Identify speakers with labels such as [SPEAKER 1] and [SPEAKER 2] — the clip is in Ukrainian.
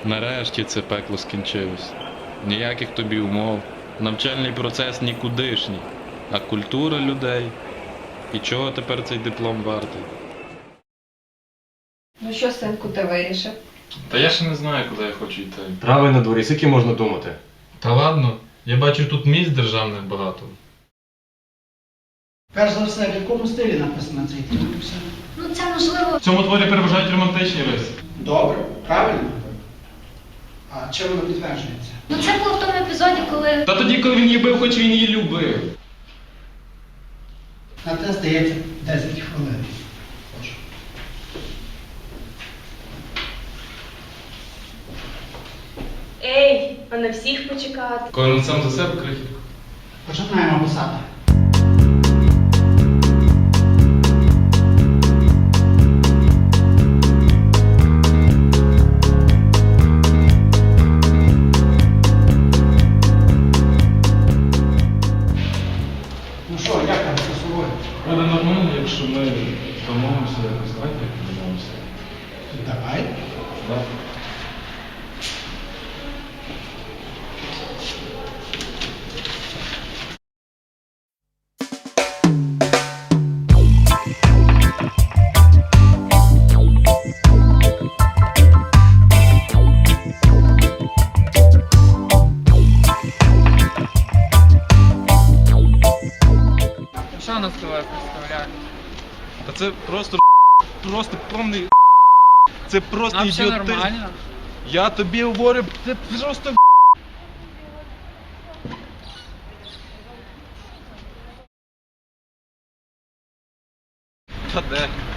[SPEAKER 1] Нарешті це пекло скінчилось. Ніяких тобі умов. Навчальний процес нікудишній. А культура людей. І чого тепер цей диплом вартий?
[SPEAKER 2] Ну що, синку, ти вирішив?
[SPEAKER 1] Та я ще не знаю, куди я хочу йти.
[SPEAKER 3] Трави на дворі, скільки можна думати?
[SPEAKER 1] Та ладно, я бачу тут місць державних багато.
[SPEAKER 4] Перш за все, в якому стилі написано цей твір? Все.
[SPEAKER 5] Ну це можливо.
[SPEAKER 1] В цьому творі переважають романтичні риси.
[SPEAKER 4] Добре, правильно. А чим воно підтверджується?
[SPEAKER 5] Ну це було в тому епізоді, коли.
[SPEAKER 1] Та тоді, коли він її бив, хоч він її любив.
[SPEAKER 4] На те, здається, 10 хвилин. Прошу.
[SPEAKER 6] Ей, а на всіх почекати.
[SPEAKER 1] Кожен сам за себе крихітко.
[SPEAKER 4] Починаємо писати. Ну що, як там з собою?
[SPEAKER 1] Буде нормально, якщо ми домовимося якось. Давайте домовимося.
[SPEAKER 4] Давай.
[SPEAKER 1] Так.
[SPEAKER 7] Що нас тебе представляє?
[SPEAKER 1] Та це просто повний. Це просто
[SPEAKER 7] А все
[SPEAKER 1] ідіотизм.
[SPEAKER 7] нормально?
[SPEAKER 1] Я тобі говорю, це просто. Та де?